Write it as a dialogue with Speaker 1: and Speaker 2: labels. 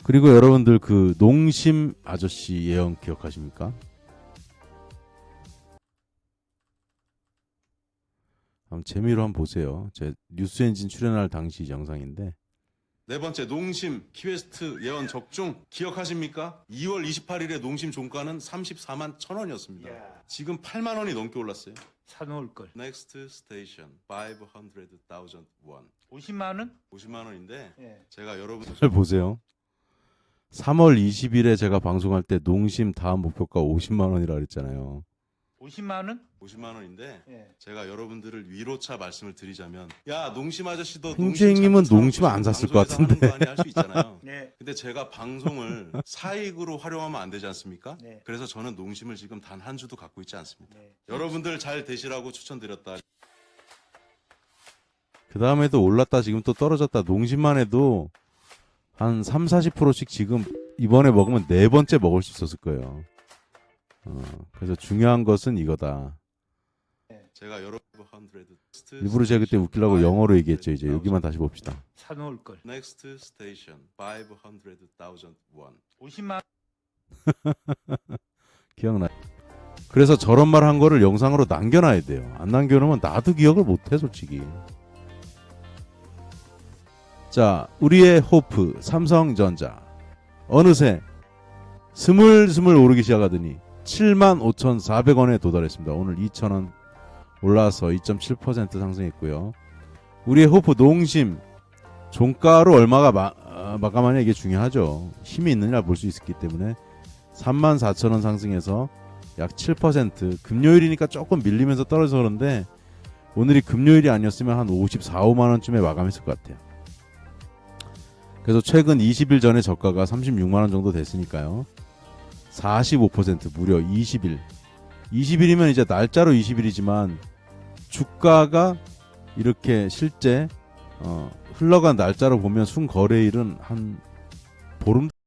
Speaker 1: 그리고 여러분들 그 농심 아저씨 예언 기억하십니까? 한번 재미로 한번 보세요. 제 뉴스엔진 출연할 당시 영상인데. 네 번째, 농심 키웨스트 예언 적중 기억하십니까? 2월 28일에 농심 종가는 34만 1,000원이었습니다. 지금 8만 원이 넘게 올랐어요.
Speaker 2: 사놓을 걸.
Speaker 1: Next station 500,000 won.
Speaker 2: 50만 원?
Speaker 1: 50만 원인데
Speaker 2: 예.
Speaker 1: 제가 여러분들 보세요. 3월 20일에 제가 방송할 때 농심 다음 목표가 50만 원이라 그랬잖아요.
Speaker 2: 50만 원?
Speaker 1: 50만 원인데
Speaker 2: 예.
Speaker 1: 제가 여러분들을 위로차 말씀을 드리자면, 야 농심 아저씨도
Speaker 3: 행주행님은 농심 안 샀을 것 같은데.
Speaker 1: 할수 있잖아요.
Speaker 2: 네.
Speaker 1: 근데 제가 방송을 사익으로 활용하면 안 되지 않습니까?
Speaker 2: 네.
Speaker 1: 그래서 저는 농심을 지금 단 한 주도 갖고 있지 않습니다.
Speaker 2: 네.
Speaker 1: 여러분들 잘 되시라고 추천드렸다. 그 다음에도 올랐다 지금 또 떨어졌다. 농심만 해도 한 30-40%씩 지금 이번에 먹으면 네 번째 먹을 수 있었을 거예요. 그래서 중요한 것은 이거다. 제가 일부러 제가 그때 웃기려고 영어로 얘기했죠. 이제 여기만 다시 봅시다.
Speaker 2: 사놓을 걸.
Speaker 1: Next station 500,000 won.
Speaker 2: 50만
Speaker 1: 기억나. 그래서 저런 말 한 거를 영상으로 남겨놔야 돼요. 안 남겨놓으면 나도 기억을 못해 솔직히. 자, 우리의 호프 삼성전자 어느새 스물스물 오르기 시작하더니 75,400원에 도달했습니다. 오늘 2,000원 올라서 2.7% 상승했고요. 우리의 호프 농심 종가로 얼마가 마감하냐 이게 중요하죠. 힘이 있느냐 볼 수 있기 때문에 34,000원 상승해서 약 7%. 금요일이니까 조금 밀리면서 떨어져서 그런데 오늘이 금요일이 아니었으면 한 54, 5만 원쯤에 마감했을 것 같아요. 그래서 최근 20일 전에 저가가 36만 원 정도 됐으니까요. 45% 무려 20일. 20일이면 이제 날짜로 20일이지만 주가가 이렇게 실제 흘러간 날짜로 보면 순거래일은 한 보름